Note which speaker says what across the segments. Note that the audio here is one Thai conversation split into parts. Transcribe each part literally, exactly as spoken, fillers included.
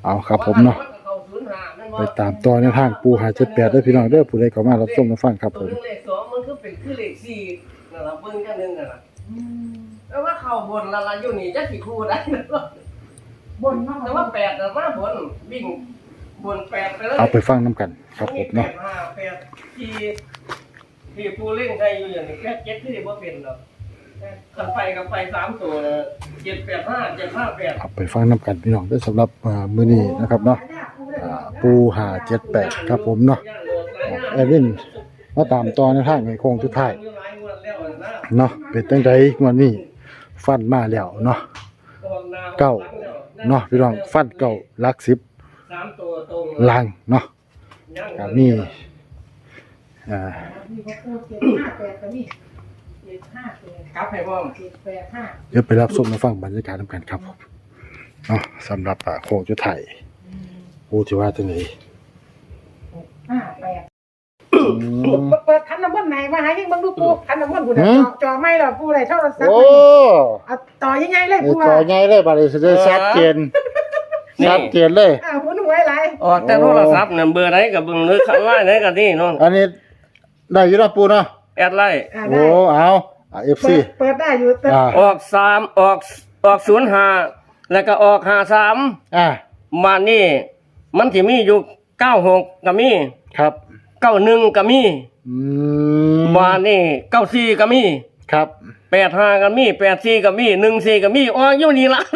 Speaker 1: เอาครับผมเนาะไปตามต่อในทางปูหาเจ็ดแปดได้พี่น้องเด้อผู้ใดเข้ามารับชมรับฟังครับผม
Speaker 2: เลขสองมันคือเป็นคือเลขสี่นั่นล่ะเบิ่งกันนึงนั่นล่ะแต่ว่าเข้าบนละละอยู่นี่จักสิคู่ได้บนแต่ว่าแปดน่ะมาบนวิ่งบนแปดไปเลย
Speaker 1: เอาไปฟังน้ำกันครับผมเนาะ
Speaker 2: แปดห้าแปดที่ที่ปูเล่นใช้อยู่อย่างนี้แค่เจ็ดที่บ่เป็นหรอกคันไปกับไปสามตัวเจ็ดแปดห้าเจ็ดห้าแปด
Speaker 1: เอาไปฟังน้ำกันพี่น้องได้สำหรับมื้อนี้นะครับเนาะปูหาเจ็ดแปดครับผมเนาะแอดมินมาตามต่อในทางในโค้งสุดท้ายเนาะเป็นจังได๋งวดนี้ฟันมาแล้วเนาะเก้าเนาะพี่น้องฟันเก้าหลักสิบล่างเนาะก็มีอ่า
Speaker 2: ครับให้พ่อ
Speaker 1: เดี๋ยวไปรับชมมาฟังบรรยากาศนำกันครับผมเนาะสำหรับโค้งสุดท้ายปูสิว่าจังได๋
Speaker 3: ห้าแปดเปิดคันน้ำมันไหนมาหายังบังดูปูคันน้ำมันปูเนี่ยจอไม่หรอปูอะไรเท่าไรสักโอ้ต่อยังไงเลยปู
Speaker 1: ต่อยังไงเลยบัดนี้สิได้ชัดเจนชัดเจนเลย
Speaker 3: อ้าวปูหนุ่ยไร
Speaker 2: อ๋อแต่โทรศัพท์เนี่ยเบอร์ไหนกับเบอร์นึกไล่ไหนกับนี่น้อง
Speaker 1: อันนี้ได้อยู่เนาะปูเนาะ
Speaker 2: แอดไล่
Speaker 1: โอ้เอาเอฟซี
Speaker 3: เปิดได้อยู่
Speaker 2: ออกสามออกออกศูนย์ห้าแล้วก็ออกห้าสาม
Speaker 1: อ่า
Speaker 2: มานี่มันสิมีอยู่เก้าหกก็มี
Speaker 1: ครับ
Speaker 2: เก้าหนึ่งก็มี
Speaker 1: อืม
Speaker 2: มานี่เก้าสี่ก็มี
Speaker 1: ครับ
Speaker 2: แปดห้าก็มีแปดสี่ก็มีหนึ่งสี่ก็มีอ๋ออยู่นี่ละ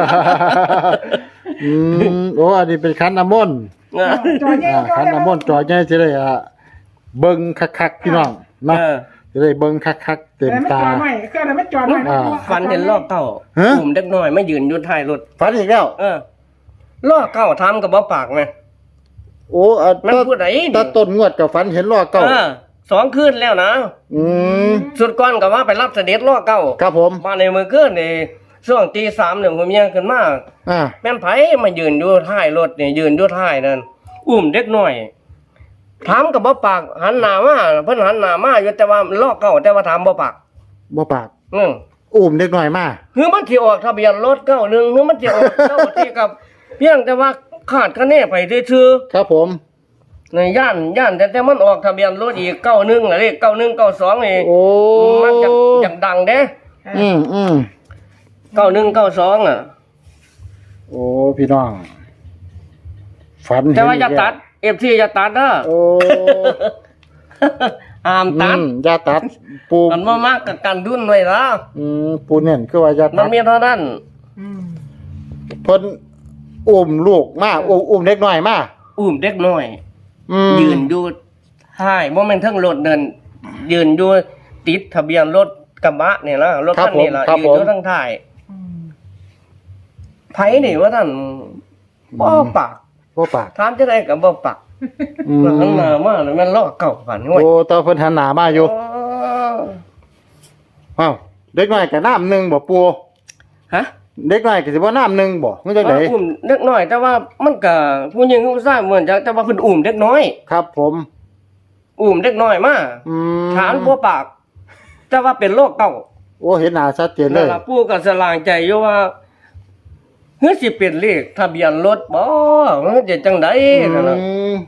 Speaker 1: อืมโอ้อันนี้เป็นคันน้ำมนต์
Speaker 3: จอใหญ่
Speaker 1: คันน้ำมนต์จอใหญ่สิได้อ่ะเบิ่งคักๆพี่น้องเนาะจะได้เบิ่งคักๆเต็มตา
Speaker 3: ไม่เครื่องนั้นไม่จอดไม่
Speaker 2: ฟันเห็นรอบเก้ากลุ่มเด็กน้อยไม่ยืนอยู่ท้ายรถ
Speaker 1: ฟันอีกแล้ว
Speaker 2: เออรอบเก้าทำกับบ่ปากมั้ย
Speaker 1: โอ้อันมันพูดไหนตาต้นงวดกับฝันเห็นล้อเก่า
Speaker 2: สองคืนแล้วนะ
Speaker 1: อืม
Speaker 2: สุดก่อนก็ว่าไปรับเสด็จล้อเก่า
Speaker 1: ครับผม
Speaker 2: มาในมือคืนนี่ช่วงตีสามเนี่ยผมยังขึ้นมา
Speaker 1: อ่า
Speaker 2: แม่นไผมายืนอยู่ท้ายรถนี่ยืนอยู่ท้ายนั่นอุ้มเด็กน้อยถามกับบ่ปากหันหน้ามาเพิ่นหันหน้ามาอยู่แต่ว่าล้อเก่าแต่ว่าถามบ่ปาก
Speaker 1: บ่ปาก
Speaker 2: อือ
Speaker 1: อุ้มเด็กน้อยมา
Speaker 2: คือมันสิออกทะเบียนรถเก้าหนึ่งคือมันสิออกเก้าที่กับเพียงแต่ว่าขาดคะแนนไปซื่อ
Speaker 1: ๆครับผม
Speaker 2: ในย่านย่านแต่แต่มันออกทะเบียนรถอีกเก้าหนึ่งอะไรเก้าหนึ่งเก้าสองนี่มันจะอย่างดังเด้
Speaker 1: อืมอืม
Speaker 2: เก้าหนึ่งเก้าสองอ่ะ
Speaker 1: โอ้พี่น้องฝัน
Speaker 2: แต่ว่าอย่าตัดเอฟซีอย่าตัดนะ
Speaker 1: โอ้
Speaker 2: ห้ามตัด
Speaker 1: อย่าตัดปู
Speaker 2: มันมามากกับกันดุนไว้ละ
Speaker 1: อืมปูเนี่ยคือว่าอย่าตัด
Speaker 2: มันมีเท่านั้น
Speaker 1: เพิ่นอุ้มลูกมาอุ้มเด็กน้อยมา
Speaker 2: อุ้มเด็กน้อยยืนอยู่ท้ายโมเมนต์ทั้งรถเดินยืนอยู่ติดทะเบียนรถกระบะเนี่ยนะรถคันนี้ละยืนอยู่ทั้งท้ายไผนี่ว่าท่านบ่ปาก
Speaker 1: บ่ปาก
Speaker 2: ถามจะได้กับบ่ปากหันหน้ามาแล้วมันล้อเก่าฝันโ
Speaker 1: อ้ตาเพิ่นหันหน้ามาอยู่อ้าวเด็กน้อยก็น้ำนึงบ่ปู
Speaker 2: ฮะ
Speaker 1: เด็กน้อยก็สิบ่น้ำนึงบ่มันจังได๋
Speaker 2: อุ้มเด็กน้อยแต่ว่ามันก็ผู้หญิงผู้ชายเหมือนจะแต่ว่าเพิ่นอุ้มเด็กน้อย
Speaker 1: ครับผม
Speaker 2: อุ้มเด็กน้อยมา
Speaker 1: อืม
Speaker 2: ถามบ่ปากแต่ว่าเป็นโรคเก่า
Speaker 1: โอ้เห็นหน้าชัดเจนเลย
Speaker 2: นั่นล่ะปู่ก็สลางใจอยู่ว่าเฮ้ยสิเป็นเลขทะเบียนรถบ่มันจะจังได๋นั่นน่ะ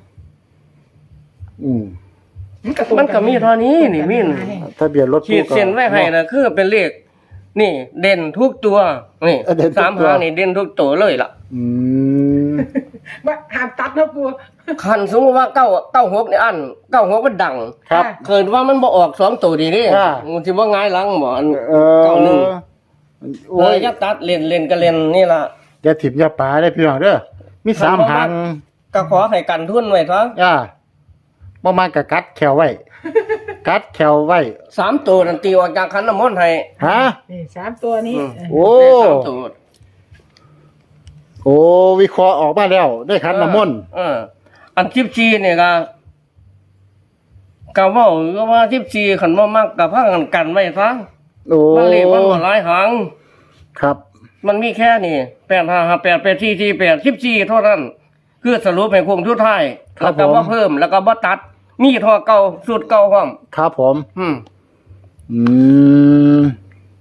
Speaker 1: อืม
Speaker 2: มันก็มีเท่านี้นี่มิน
Speaker 1: ทะเบียนรถ
Speaker 2: ขีดเส้นไว้ให้น่ะคือเป็นเลขนี่เด่นทุกตัวนี่สามหางนี่เด่นทุกตัวเลยล่ะ
Speaker 1: อืม
Speaker 3: ว่าห้ามตัดนะปู่
Speaker 2: คันสมมุติว่าเก้า เก้าหกนี่อันเก้าหกมันดัง
Speaker 1: ครับ
Speaker 2: เกิดว่ามันบ่ออกสองตัวดีนี่มันสิบ่ง่ายหลังบ่อันเก้าหนึ่งโอ้ยอย่าตัดเล่นเล่นก็เล่นนี่ล่ะ
Speaker 1: อย่าถิ่มอย่าปาได้พี่น้องเด้อมีสามหาง
Speaker 2: ก็ขอให้กันทุนไว้ซะ
Speaker 1: อ่าบ่มาก็กัดแขวไว้กัดแขวไว้
Speaker 2: สามตัวนั่นตีออกจากขันน้ำมนต์ให้
Speaker 1: ฮะ
Speaker 3: นี่สามตัวนี้
Speaker 1: โอ้โอ้วิเคราะห์ออกมาแล้วได้ขันน้ำมนต์
Speaker 2: เอออันสิบสี่นี่ก็ก็เว้าก็ว่าสิบสี่คันบ่มักก็พากันกันไว้ซะ
Speaker 1: โอ้
Speaker 2: มันเลขมันบ่หลายหาง
Speaker 1: ครับ
Speaker 2: มันมีแค่นี้แปดห้าห้าแปด แปดสี่สี่แปด สิบสี่เท่านั้นคือสรุปให้คงสุดท้ายแล้วก็บ่เพิ่มแล้วก็บ่ตัดมีท่อเก่าสูตรเก่าพร้อม
Speaker 1: ครับผม
Speaker 2: อืม
Speaker 1: อืม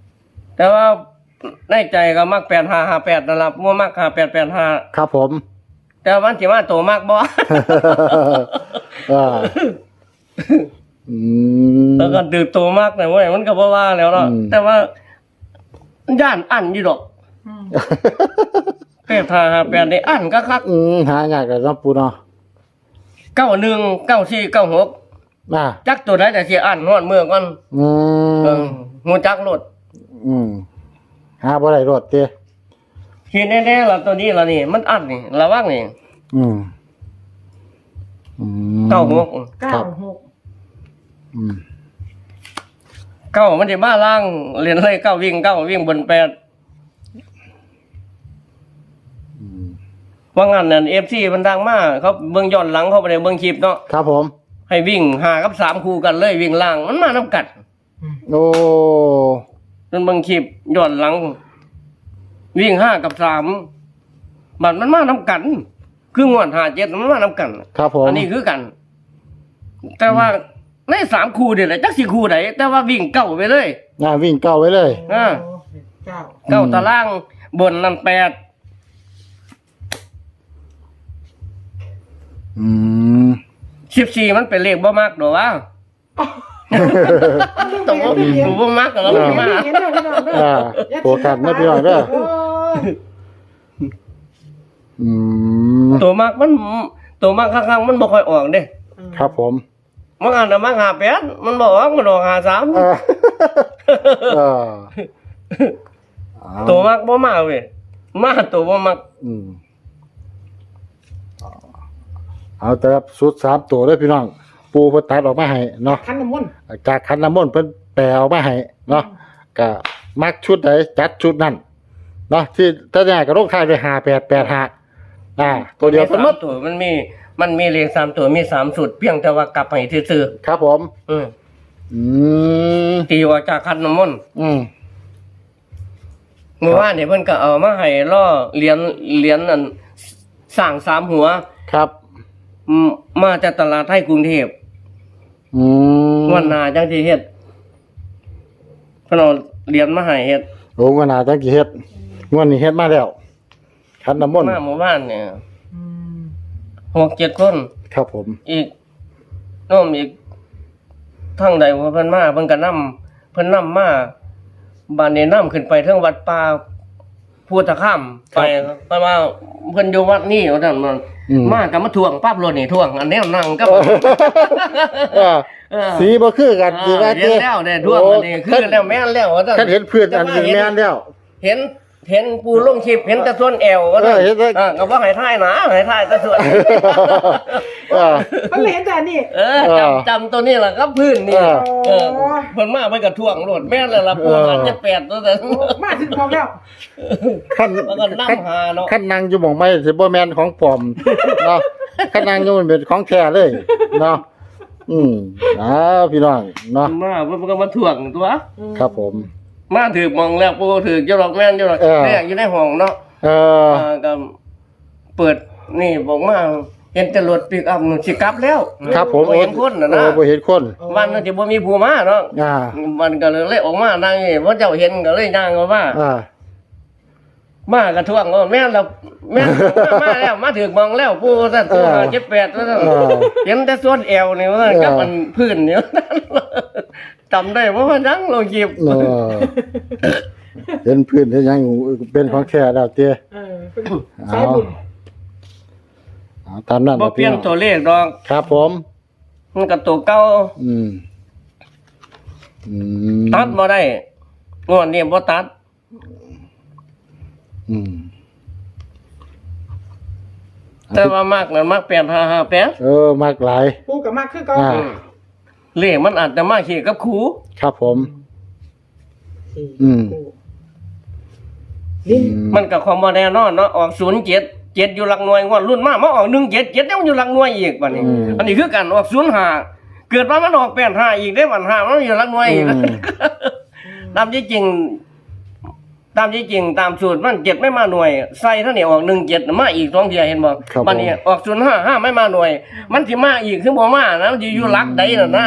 Speaker 2: แต่ว่าในใจก็มักแปดห้าห้าแปดนั่นล่ะบ่มักห้าแปดแปดห้า
Speaker 1: ครับผม
Speaker 2: แต่ว่ามันสิมาโตมากบ่
Speaker 1: อ่าอืม
Speaker 2: แล้วก็ดื้อโตมากแต่ว่ามันก็บ่ว่าแล้วเนาะ
Speaker 1: อืม
Speaker 2: แต่ว่าย่านอันอยู่ดอก
Speaker 3: อืม
Speaker 2: แปดห้าห้าแปดนี่อันคัก
Speaker 1: อืมหายากเลยเนาะปูเนาะ
Speaker 2: ๆเก้าหนึ่ง เก้าสี่ เก้าหก
Speaker 1: อ่า
Speaker 2: จักตัวใดแต่สิอันฮอดเมื่อก่อน
Speaker 1: อื
Speaker 2: เอ
Speaker 1: ม
Speaker 2: อฮู้จักโลด
Speaker 1: อืมหาบ่ได้รถเด้
Speaker 2: ทีแน่ๆล่ะตัวนี้ล่ะนี่ มันอันนี่ระวังนี่
Speaker 1: อืมอืม
Speaker 2: เก้าหก
Speaker 3: เก้าหก
Speaker 1: อืม
Speaker 2: เก้ามันสิมาล่างเรียนเลยเก้าวิ่งเก้าวิ่งบนแปด
Speaker 1: อืม
Speaker 2: ว่างั้นนั่น เอฟ ซี มันดังมากเขาเบิ่งย้อนหลังเขาไปในเบิ่งคลิปเนาะ
Speaker 1: ครับผม
Speaker 2: ให้วิ่งห้ากับสามคู่กันเลยวิ่งล่างมันมานํกัน
Speaker 1: โอ้
Speaker 2: มันเบิ่งคลิปย้อนหลัง วิ่งห้ากับสามบัดมันมานํกัน คืองวดห้าเจ็ดมันมานํกัน
Speaker 1: ครับผม
Speaker 2: อันนี้คือกัน แต่ว่าในสามคู่เดี๋ยวแหละจักสี่คู่ไหนแต่ว่าวิ่งเก้าไปเลย
Speaker 1: อ่าวิ่งเก้าไว้เลย
Speaker 2: อ่า
Speaker 3: เก้า
Speaker 2: เก้าตารางบนนั่นแปด
Speaker 1: อืม
Speaker 2: สิบสี่มันเป็นเลขบ่มากหรอวะตรงว่าบ่มากก็แล้วไม่มา
Speaker 3: เห็นเด้อพี่น้องเด้อ
Speaker 1: อ่าโปรกันนะพี่น้องเด้อ
Speaker 3: โอ้ย
Speaker 1: อืม
Speaker 2: ตัวมากมันตัวมากข้างๆมันบ่ค่อยออกเด้
Speaker 1: ครับผม
Speaker 2: มันอ่านแต่มากหาแปดมันบอกว่ามันออกหาสาม
Speaker 1: เออเออเอา
Speaker 2: ตัวมากบ่มาเว้ยมาตัวบ่มัก
Speaker 1: อืมเอาแต่ครับสุดสามตัวเลยพี่น้อง ปูเพิ่นตัดออกมาให้เนาะ
Speaker 3: คันน้ำมนต์
Speaker 1: จากคันน้ำมนต์เพิ่นแปลออกมาให้เนาะก็มักชุดใดจัดชุดนั้นเนาะที่ถ้าแน่ก็ลงท้ายด้วยห้าแปดแปดห้าอ่า ตัวเดียว
Speaker 2: มี
Speaker 1: เพิ่นหม
Speaker 2: สา
Speaker 1: ด
Speaker 2: มตัวมันมีมันมีเลขสามตัวมีสามสุดเพียงแต่ว่ากลับให้ซื่อ
Speaker 1: ครับผม
Speaker 2: ๆอืม
Speaker 1: อืม
Speaker 2: ตีออกจากคันน้ำมนต์
Speaker 1: อืม
Speaker 2: เมื่อวานเนี่ยเพิ่นก็เอามาให้ล่อเหรียญเหรียญนั่นสร้างสามหัว
Speaker 1: ครับ
Speaker 2: อืมมาจากตลาดไทยกรุงเทพ
Speaker 1: อืม
Speaker 2: วันหน้าจังสิเฮ็ดเพิ่นเอาเหรียญมาให้เฮ็ด
Speaker 1: โอ้งวดหน้าจังกี่เฮ็ดงวดนี้เฮ็ดมาแล้วคันน้ำมนต์
Speaker 2: มาหมู่บ้านเนี่ย
Speaker 3: อืม
Speaker 2: หกเจ็ดคน
Speaker 1: ครับผม
Speaker 2: อีกโน้มอีกทางใดว่าเพิ่นมาเพิ่นก็นำเพิ่นนำมาบ้านนี้นำขึ้นไปเทิงวัดป่าพุทธคามไปเพราะว่าเพิ่นอยู่วัดนี้ว่าซั่นมัน
Speaker 1: อืม
Speaker 2: มาก็มาทวงปั๊บรถนี่ทวง อันแนวนั่งกับ
Speaker 1: เออ
Speaker 2: เออ
Speaker 1: สีบ่คือกันสิว่า
Speaker 2: เห็นแล้วเนี่ยทวงอันนี้คือแล้วแม่นแล้วว่าซั่น
Speaker 1: คันเห็นเพื่อนอันนี้แม่นแล้ว
Speaker 2: เห็นเห็นปูลงคลิปเห็นแต่ส่วนแอวว่าซั่น
Speaker 1: เออเห็นแต่
Speaker 2: เออก็บ่ให้ถ่ายหนาให้ถ่ายแต่ส่วน
Speaker 1: เออ
Speaker 3: มันเลยเห็นแต่นี่
Speaker 2: เออจำจำตัวนี้แหละครับพื้นนี่
Speaker 1: เออ
Speaker 2: เออเพิ่นมาเพิ่นก็ท่วงโลดแม่นเลยล่ะปูหาเจ็ดแปดตัวแต่
Speaker 3: โอ้มาถึงพร้อมแล้ว
Speaker 1: คัน
Speaker 2: แล้วก็นำหาเนาะ
Speaker 1: คันนางอยู่หม่องไม้สิบ่แม่นของปลอมเนาะคันนางอยู่มันเป็นของแท้เลยเนาะอืมอ้าวพี่น้องเนาะ
Speaker 2: มาเพิ่นก็มาท่วงตัว
Speaker 1: ครับผม
Speaker 2: มาถือมองแล้วปูถือเจ้าดอกแม่นเจ้าดอก
Speaker 1: เออ
Speaker 2: แรกอยู่ในห้องเนาะ
Speaker 1: เออ
Speaker 2: อ่าก็เปิดนี่บอกมาเห็นแต่รถปิกอัพนู่นสิกลับแล้ว
Speaker 1: ครับผม
Speaker 2: บ่เห็นคนน่ะ
Speaker 1: โอ้
Speaker 2: นะ
Speaker 1: บ่เห็นคน
Speaker 2: วันนั้นสิบ่มีผู้มาเนาะ
Speaker 1: อ่า
Speaker 2: มันก็เลยออกมานั่งนี่เพราะเจ้าเห็นก็เลยย่างออกมา
Speaker 1: อ่า
Speaker 2: มากระท่วงว่าแม่นเราแม่นมามาแล้วมาถึงมองแล้วผู้สั่นตัวหาเจ็ดแปดว่าซั่น
Speaker 1: เออ
Speaker 2: เห็นแต่ส่วนแอวนี่ว่าซั่น
Speaker 1: เออ
Speaker 2: กับมันพื้นนี่ว่าซั่นจำได้ว่ามันยังลงคลิป
Speaker 1: เออเห็นพื้นเห็นหยังเป็นของแท้แล้วเตี้ย
Speaker 3: เออเป็นสายบุญ
Speaker 1: เอาตามนั้น
Speaker 2: บ่เปลี่ยนตัวเลขดอก
Speaker 1: ครับผม
Speaker 2: มันก็ตัวเก่า
Speaker 1: อืมอืม
Speaker 2: ตัดบ่ได้งวดนี้บ่ตัด
Speaker 1: อืม
Speaker 2: แต่ว่ามากนั้นมากแปดห้าห้าแปด
Speaker 1: เออมากหลาย
Speaker 3: ปูกับมากคือเก็
Speaker 1: อ่า
Speaker 2: เลขมันอาจจะมาขี่กับครู
Speaker 1: ครับผม อืม
Speaker 3: ลิ้น
Speaker 2: มันก็ความบ่แน่นอนเนาะออกศูนย์เจ็ด เจ็ดอยู่หลักหน่วยงวดรุ่นมามาออกหนึ่งเจ็ด เจ็ดยังอยู่หลักหน่วยอีกบัดนี้
Speaker 1: อืม
Speaker 2: อันนี้คือกันออกศูนย์ห้าเกิดมามันออกแปดห้าอีกได้บัดห้ามันอยู่หลักหน่วยอีก
Speaker 1: อืม
Speaker 2: ตามที่จริง ตามที่จริงตามสูตรมันเจ็ดไม่มาหน่วยใส่เท่านี้ออกหนึ่งเจ็ดมาอีกสองเทียเห็นบ่
Speaker 1: ครับ
Speaker 2: บัดนี้ออกศูนย์ห้าห้าไม่มาหน่วย มันสิมาอีกคือบ่มานะมันสิอยู่หลักใดน่ะนะ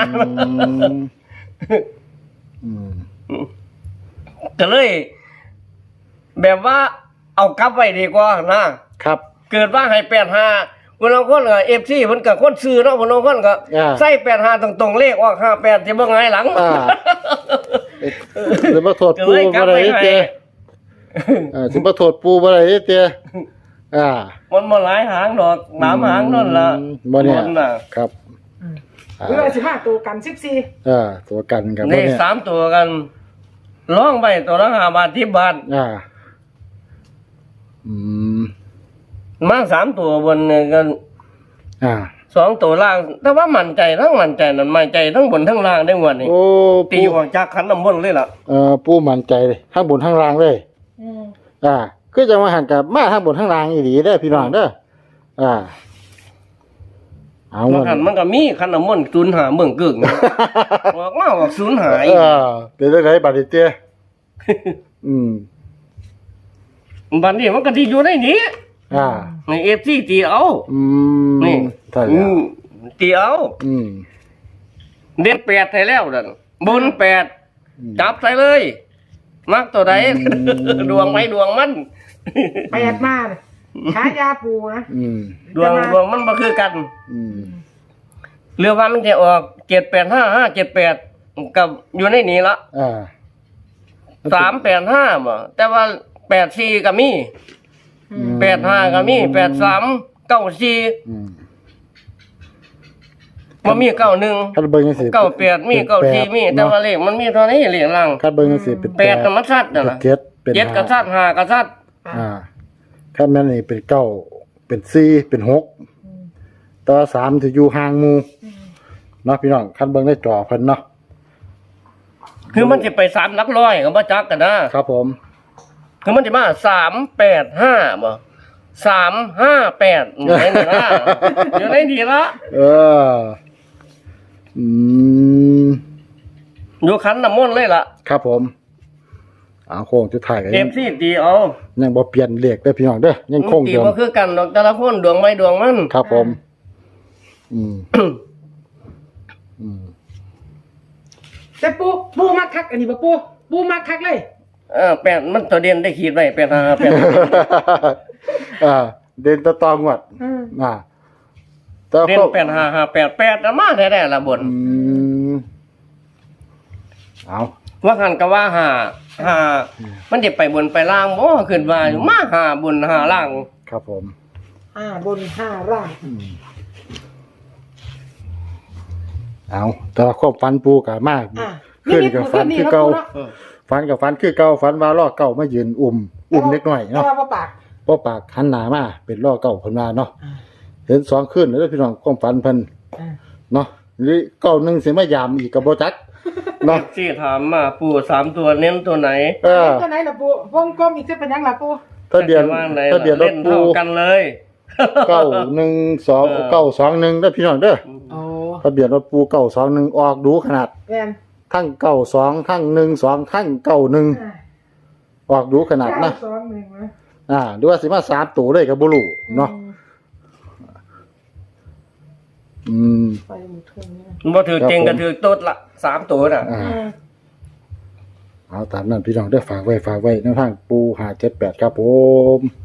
Speaker 1: อืม
Speaker 2: ก็เลย แบบว่าเอากลับไว้ดีกว่านะครับ เเกิดว่าให้แปดห้าคนละคนก็เอฟซีเพิ่นก็คนซื้อเนาะคนละคนก็
Speaker 1: อ่า
Speaker 2: ใส่แปดห้าตรงๆเลขออกห้าแปดสิบ่ไงายหลัง
Speaker 1: อ่าสิมาโทษปูบ่ได้เด้อ่าสิมาโทษปูบ่ได้เด้อ่า
Speaker 2: มันบ่หลายหางดอกสามหางนั่นล่ะ
Speaker 1: บ่เนี่ย
Speaker 2: บน่ะ
Speaker 1: ครับ
Speaker 3: หรือว่าสิบห้าตัวกันสิบสี่
Speaker 1: เออตัวกันกับ
Speaker 2: เล
Speaker 1: บ่
Speaker 2: ข
Speaker 1: เนี่ย
Speaker 2: สามตัวกันร้องไปตัวละห้าบาทสิบบาท
Speaker 1: อ่าอืม
Speaker 2: มาสามตัวบนเนี่ยกัน
Speaker 1: อ่า
Speaker 2: สองตัวล่าง แต่ว่ามั่นใจทั้งมั่นใจนั่นมั่นใจทั้งบนทั้งล่างได้หมดนี่
Speaker 1: โอ้
Speaker 2: ตี
Speaker 1: ปู
Speaker 2: ออกจากขันน้ำมนต์เลยล่ะ
Speaker 1: เอ่อปูมั่นใจเลยทั้งบนทั้งล่างเลย
Speaker 3: อืม
Speaker 1: อ่าคือจะมาหันกับมาทั้งบนทั้งล่างอีหลีเด้อพี่น้องเด้ออ่าเอา
Speaker 2: มันหันมันก็มีขันน้ำมนต์ศูนย์หาเมืองกึ่งบอกว่าบอกศูนย์หาย
Speaker 1: เออเป็นจังไดบัดนี้เต้อืม
Speaker 2: บัดนี้มันก็ที่อยู่ในนี้
Speaker 1: อ่า
Speaker 2: ในเอฟซีตีเอา
Speaker 1: อืม
Speaker 2: นี่
Speaker 1: ใช่
Speaker 2: อื
Speaker 1: แล้ว
Speaker 2: มตีเอา
Speaker 1: อืม
Speaker 2: เด็ดแปดใส่แล้วนั่นบนแปด
Speaker 1: อืม
Speaker 2: จับใส่เลย มักตัวใด
Speaker 1: อืม
Speaker 2: ดวงไม่ดวงมัน
Speaker 3: แปดมาเลยฉายาปูนะ
Speaker 1: อืม
Speaker 2: ดวงดวงมันบ่คือกัน
Speaker 1: อืม
Speaker 2: เรือว่ามันจะออกเจ็ดแปดห้าห้าเจ็ดแปดกับอยู่ในนี้ละ
Speaker 1: อ่า
Speaker 2: สามแปดห้าบ่แต่ว่าแปดสี่ก็มี
Speaker 3: อืม
Speaker 2: แปดห้าก็มีแปดสามเก้าสี่
Speaker 1: อืม
Speaker 2: มันมีเก้าหนึ่ง
Speaker 1: คัดเบิ่งจังซี่
Speaker 2: เก้าแปดมีเก้าสี่มีแต่ว่าเลขมันมีเท่านี้เลขล่าง
Speaker 1: คัดเบิ่งจังซี่เป็น
Speaker 2: แปดธรรมชาตินั่น
Speaker 1: เป็น
Speaker 2: น่ะ
Speaker 1: เจ็ดเป็น
Speaker 2: เจ็ดกระ
Speaker 1: ห้า
Speaker 2: ซัดห้ากระซัด
Speaker 1: อ่าคัดแม่นนี่เป็นเก้าเป็นสี่เป็นหกแตัวาสามจะอยู่ห่างหมู่เนาะพี่น้องคัดเบิ่งในจอเพิ่นเนาะ
Speaker 2: คือมันจะไปสามหลักร้อยก็บ่จักกันนะครับ
Speaker 1: ผม
Speaker 2: คือมันจะมาสามแปดห้าบ่สามห้าแปดอยู่ในนี้ละอยู่ในนี้ละ
Speaker 1: เออ อืม
Speaker 2: อยู่ขันน้ำมนต์เลยล่ะ
Speaker 1: ครับผมเอาโค้งจุดถ่ายกัน
Speaker 2: เอฟซีตีเอา
Speaker 1: ยังบ่เปลี่ยนเลขเด้อพี่น้องเด้อยังคง
Speaker 2: ตี
Speaker 1: เดิม
Speaker 2: บ่คือกันดอกแต่ละคนดวงไม่ดวงมัน
Speaker 1: ครับผม อืม อืม
Speaker 3: แต่ปูปูมาคักอันนี้บ่ปูปูมาคักเลย
Speaker 2: เออแปดมันตัวเด่นได้ขีดไว้แปดห้าแปด
Speaker 1: อ่าเดินตะตองวด
Speaker 3: อืม
Speaker 1: อ่าแต่
Speaker 2: เด่น
Speaker 1: ก็
Speaker 2: แปดห้าห้าแปดแปดนะมาแท้ๆละบน
Speaker 1: อืมเอา
Speaker 2: ว่าหันก็ว่าหาหามันจะไปบนไปล่างบ่ขึ้นว่าอยู่มาหาบนหาล่าง
Speaker 1: ครับผม
Speaker 3: ห้าบนห้าล่าง
Speaker 1: อืมเอาแต่ว่าความฝันปูกะมาก
Speaker 3: อ่ะ
Speaker 1: ขึ้นกับฝันคือเก่า
Speaker 3: เนาะ
Speaker 1: ฝันกับฝันคือเก่าฝันว่าล่อเก่ามายืนอุ่มอุ่มเล็กน้อย
Speaker 3: เนาะ
Speaker 1: เนาะ
Speaker 3: ว่าปาก
Speaker 1: เพราะปากหันหน้ามาเป็นล่อเก่าเพิ่นว่าเนาะ
Speaker 3: อ่า
Speaker 1: เห็นสองขึ้นแล้วพี่น้องความฝันเพิ่น
Speaker 3: อ่า
Speaker 1: เนาะหรือเก่าหนึงสิมายามอีกก็บ่จักเนาะ
Speaker 2: ที่ถามมาปู่สามตัวเน้นตัวไหน
Speaker 1: เออ
Speaker 3: ตัวไหนล่ะปูวงกลมอีกจะเป็นหยังล่ะปู
Speaker 1: ทะเบียน
Speaker 2: จะว่าไหน
Speaker 1: ทะเบียนร
Speaker 2: เล่
Speaker 1: ถ
Speaker 2: น
Speaker 1: ปู
Speaker 2: เท่ากันเลย
Speaker 1: เก้าหนึ่งสอง
Speaker 2: เออ
Speaker 1: เก้าสองหนึ่งเด้อพี่น้องเด้อ
Speaker 3: โอ้
Speaker 1: ทะเบียนรถปูเก้าสองหนึ่งออกดูขนาด
Speaker 3: แม่น
Speaker 1: ทั้งเก้าสองทั้งหนึ่งสองทั้งเก้าหนึ่ง
Speaker 3: อ่า
Speaker 1: ออกดูขนาดนะ
Speaker 3: เก้าสองหนึ่งนะ
Speaker 1: อ่าดูว่าสิมาสามตัวเลยกับบุรุเนาะ
Speaker 3: อืม
Speaker 1: อืม
Speaker 3: ไปหมดเครื่องนี้
Speaker 2: บ่ถือเก่ง
Speaker 1: ครั
Speaker 2: ก็
Speaker 1: บผม
Speaker 2: ถือโต๊ดละสามตัวน่ะ
Speaker 1: อ่า
Speaker 3: อืม
Speaker 1: เอาตามนั้นพี่น้องเด้อฝากไว้ฝากไว้ในทางปูหาเจ็ดแปดครับผม